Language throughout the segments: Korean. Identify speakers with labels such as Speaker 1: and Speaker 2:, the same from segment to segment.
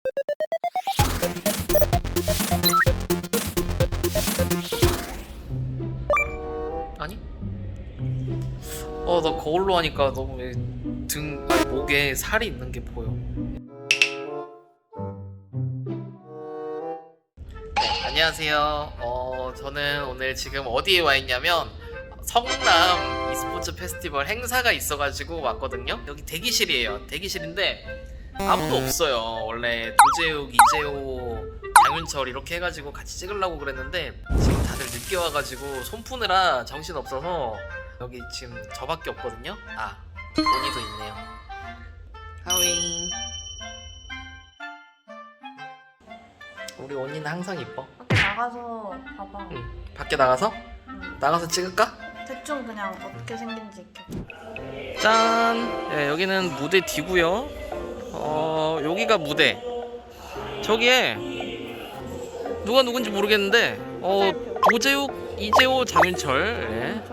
Speaker 1: 아니? 나 거울로 하니까 너무 목에 살이 있는 게 보여. 네, 안녕하세요. 저는 오늘 지금 어디에 와 있냐면 성남 e스포츠 페스티벌 행사가 있어가지고 왔거든요. 여기 대기실이에요. 대기실인데 아무도 없어요. 원래 도재욱, 이재호, 장윤철 이렇게 해가지고 같이 찍으려고 그랬는데 지금 다들 늦게 와가지고 손 푸느라 정신 없어서 여기 지금 저밖에 없거든요. 온이도 있네요. 하윙. 우리 온이는 항상 이뻐.
Speaker 2: 밖에 나가서 봐봐.
Speaker 1: 응. 밖에 나가서? 나가서 찍을까?
Speaker 2: 대충 그냥 어떻게 생긴지 이렇게.
Speaker 1: 짠! 네, 여기는 무대 뒤고요. 여기가 무대. 저기에 누가 누군지 모르겠는데 도재욱, 이재호, 장윤철. 네.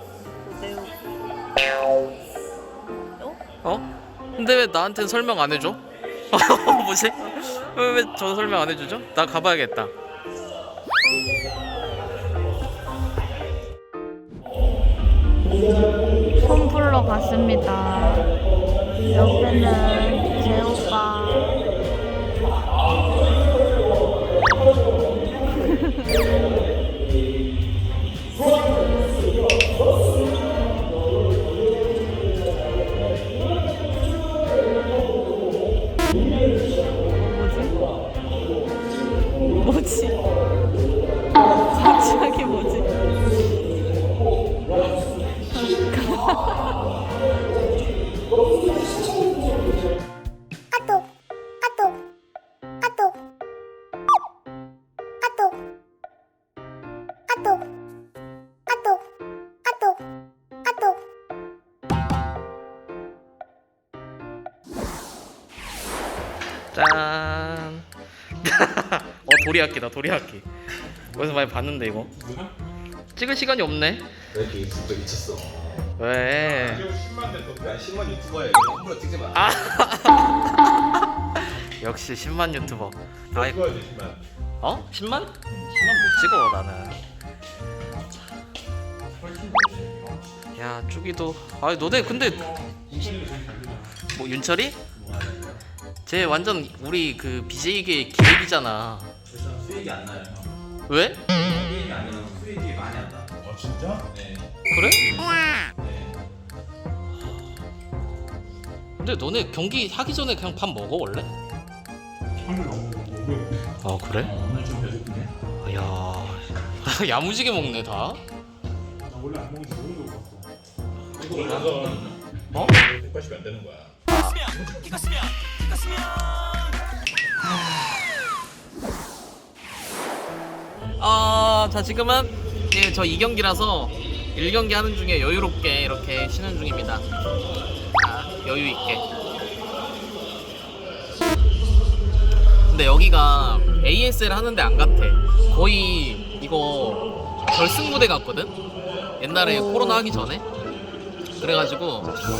Speaker 1: 근데 왜 나한테는 설명 안 해줘? 뭐지? 왜 저 설명 안 해주죠? 나 가봐야겠다.
Speaker 2: 손 풀러 갔습니다. 옆에는 제 오빠. 뭐지? 갑자기 뭐지?
Speaker 1: 짠. 도리학기다, 도리학기. 어디서 많이 봤는데 이거. 찍을 시간이 없네.
Speaker 3: 왜 이렇게 유튜브에 미쳤어?
Speaker 1: 왜?
Speaker 3: 10만 됐어. 야 10만 유튜버야. 이거 함부로 찍지 마.
Speaker 1: 역시 10만 유튜버.
Speaker 3: 찍어야 돼 10만.
Speaker 1: 10만? 10만 못 찍어 나는. 야 쭈기도. 너네 근데 뭐 윤철이? 쟤 완전 우리 그 BJ계 기획이잖아.
Speaker 3: 그래서 수익이 안 나요.
Speaker 1: 왜?
Speaker 3: 게임이 아니라 수익이 많이 안 나. 진짜? 네.
Speaker 1: 그래?
Speaker 3: 네.
Speaker 1: 근데 너네 경기 하기 전에 그냥 밥 먹어 원래?
Speaker 4: 하늘 너무 먹어요.
Speaker 1: 그래?
Speaker 4: 오늘 좀 배고프네.
Speaker 1: 야 야무지게 먹네 다.
Speaker 4: 나 원래 안 먹는 지 너무 배고팠어.
Speaker 3: 이거 올라서 180이 안 되는 거야.
Speaker 1: 자 지금은 저 2경기라서 1경기 하는 중에 여유롭게 이렇게 쉬는 중입니다. 여유 있게. 근데 여기가 ASL 하는데 안 같아. 거의 이거 결승 무대 같거든. 옛날에 코로나 하기 전에. 그래가지고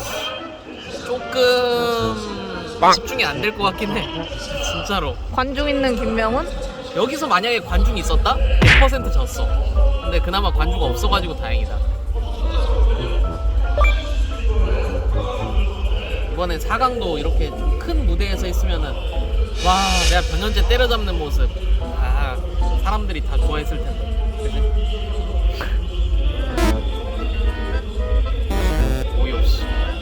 Speaker 1: 조금 집중이 안 될 것 같긴 해. 진짜로.
Speaker 2: 관중 있는 김명훈?
Speaker 1: 여기서 만약에 관중이 있었다? 100% 졌어. 근데 그나마 관중가 없어가지고 다행이다. 이번엔 4강도 이렇게 좀 큰 무대에서 했으면은 와 내가 변현재 때려잡는 모습 사람들이 다 좋아했을 텐데. 그치? 어이없이.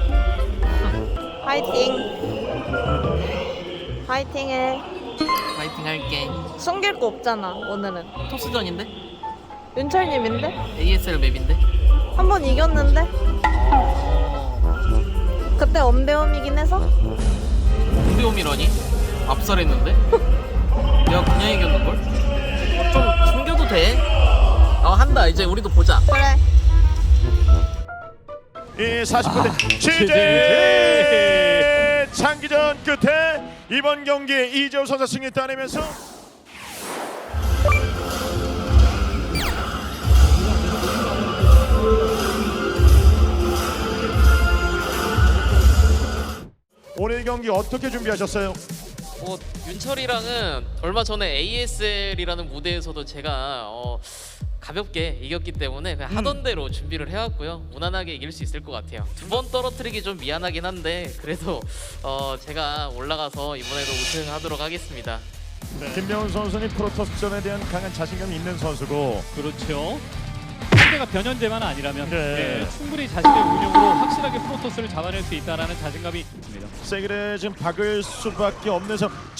Speaker 2: 파이팅. 파이팅해.
Speaker 1: 파이팅 할게.
Speaker 2: 숨길 거 없잖아 오늘은.
Speaker 1: 토스전인데?
Speaker 2: 윤철님인데?
Speaker 1: ASL 맵인데?
Speaker 2: 한 번 이겼는데? 그때 엄대엄이긴 해서?
Speaker 1: 공대홈이라니? 압살했는데? 내가 그냥 이겼는걸? 좀 숨겨도 돼? 한다. 이제 우리도 보자.
Speaker 2: 그래.
Speaker 5: 이 40분대 취재 장기전 끝에 이번 경기 이재호 선수 승리 따내면서 오늘 경기 어떻게 준비하셨어요?
Speaker 1: 윤철이랑은 얼마 전에 ASL이라는 무대에서도 제가 가볍게 이겼기 때문에 그냥 하던 대로 준비를 해왔고요. 무난하게 이길 수 있을 것 같아요. 2번 떨어뜨리기 좀 미안하긴 한데 그래도 제가 올라가서 이번에도 우승하도록 하겠습니다.
Speaker 5: 김명훈 선수는 프로토스전에 대한 강한 자신감이 있는 선수고
Speaker 6: 그렇죠. 상대가 변현재만 아니라면
Speaker 5: 네.
Speaker 6: 충분히 자신의 운영으로 확실하게 프로토스를 잡아낼 수 있다는 자신감이 있습니다.
Speaker 5: 세기를 지금 박을 수밖에 없는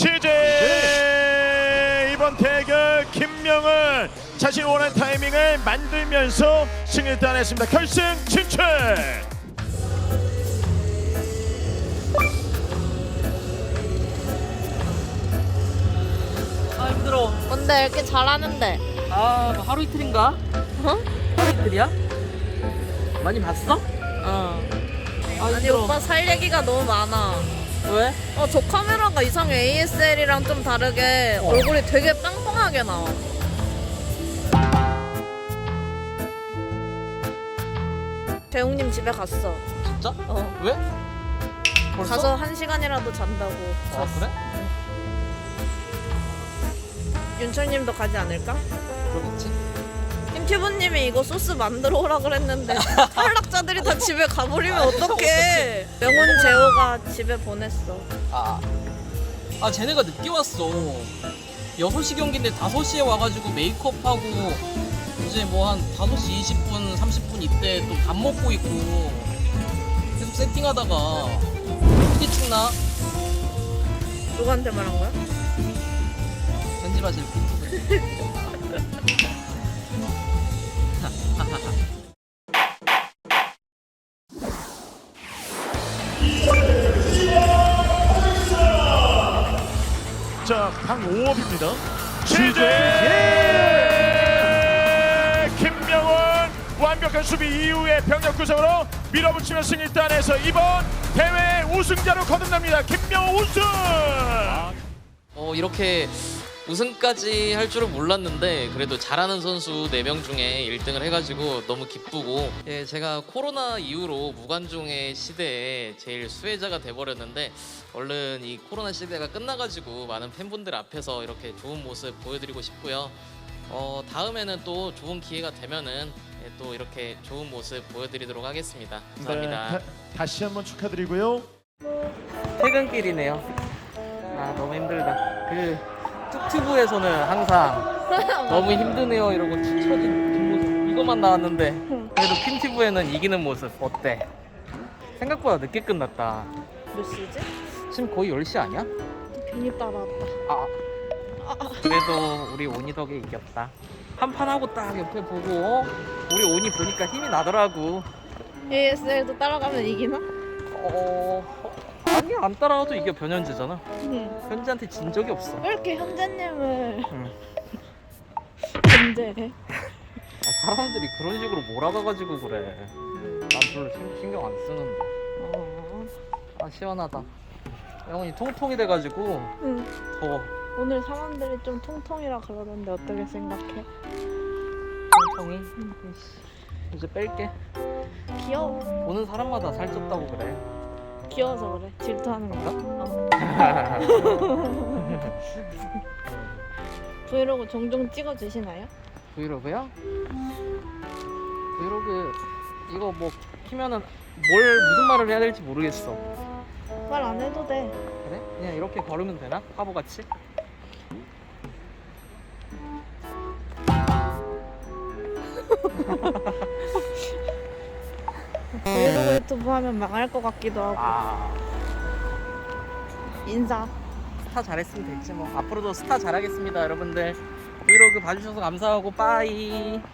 Speaker 5: 취재 이번 대결 김명훈 자신 원하는 타이밍을 만들면서 승을 따냈습니다. 결승 진출.
Speaker 1: 아 힘들어.
Speaker 2: 근데 이렇게 잘하는데.
Speaker 1: 아 하루 이틀인가?
Speaker 2: 어?
Speaker 1: 하루 이틀이야? 많이 봤어?
Speaker 2: 아니 오빠 살 얘기가 너무 많아.
Speaker 1: 왜?
Speaker 2: 저 카메라가 이상해. ASL이랑 좀 다르게 얼굴이 되게 빵빵하게 나와. 재웅님 집에 갔어.
Speaker 1: 진짜?
Speaker 2: 어.
Speaker 1: 왜? 벌써?
Speaker 2: 가서 1시간이라도 잔다고.
Speaker 1: 아 그래?
Speaker 2: 윤철님도 가지 않을까?
Speaker 1: 그러겠지.
Speaker 2: 김튜브님이 이거 소스 만들어 오라 그랬는데 탈락자들이 다 집에 가버리면 어떡해. 명훈 재호가 집에 보냈어.
Speaker 7: 아 쟤네가 늦게 왔어. 6시 경기인데 5시에 와가지고 메이크업하고 이제 뭐 한 5시 20분 30분 이때 또 밥 먹고 있고 계속 세팅하다가 어떻게 찍나?
Speaker 2: 누구한테 말한 거야?
Speaker 7: 편집하실 분.
Speaker 5: 자, 방오업입니다. 취재 김명훈 완벽한 수비 이후에 병력 구성으로 밀어붙이며 승리 따내서 이번 대회 우승자로 거듭납니다. 김명훈 우승.
Speaker 1: 이렇게 우승까지 할 줄은 몰랐는데 그래도 잘하는 선수 4명 중에 1등을 해가지고 너무 기쁘고, 예, 제가 코로나 이후로 무관중의 시대에 제일 수혜자가 돼버렸는데 얼른 이 코로나 시대가 끝나가지고 많은 팬분들 앞에서 이렇게 좋은 모습 보여드리고 싶고요. 다음에는 또 좋은 기회가 되면은 또 이렇게 좋은 모습 보여드리도록 하겠습니다. 감사합니다.
Speaker 5: 다시 한번 축하드리고요.
Speaker 1: 퇴근길이네요. 아 너무 힘들다. 그 뚝튜브에서는 항상 너무 힘드네요 이러고 뒤처진 뒷모습 이것만 나왔는데 그래도 퀸튜브에는 이기는 모습 어때? 생각보다 늦게 끝났다.
Speaker 2: 몇 시지?
Speaker 1: 지금 거의 10시 아니야?
Speaker 2: 괜히 따라왔다.
Speaker 1: 그래도 우리 온이 덕에 이겼다. 한판 하고 딱 옆에 보고 우리 온이 보니까 힘이 나더라고.
Speaker 2: ASL도 따라가면 이기나?
Speaker 1: 아니 안 따라와도 이겨. 변현재잖아.
Speaker 2: 응.
Speaker 1: 현재한테 진 적이 없어.
Speaker 2: 왜 이렇게 현재님을
Speaker 1: 응.
Speaker 2: 견제해?
Speaker 1: 사람들이 그런 식으로 몰아가가지고 그래. 난 별로 신경 안 쓰는데. 아 시원하다. 영훈이 통통이 돼가지고
Speaker 2: 응.
Speaker 1: 더워.
Speaker 2: 오늘 사람들이 좀 통통이라 그러던데 어떻게 생각해?
Speaker 1: 통통이? 이제 뺄게.
Speaker 2: 귀여워.
Speaker 1: 보는 사람마다 살쪘다고 그래.
Speaker 2: 귀여워서 그래. 질투하는 건가? 브이로그 종종 찍어주시나요?
Speaker 1: 브이로그요? 브이로그 이거 뭐 키면은 무슨 말을 해야 될지 모르겠어.
Speaker 2: 말 안 해도 돼.
Speaker 1: 그래? 그냥 이렇게 걸으면 되나? 바보같이?
Speaker 2: 브이로그 유튜브 하면 망할 것 같기도 하고. 인사.
Speaker 1: 스타 잘했으면 됐지 뭐. 앞으로도 스타 잘하겠습니다 여러분들. 브이로그 봐주셔서 감사하고 빠이.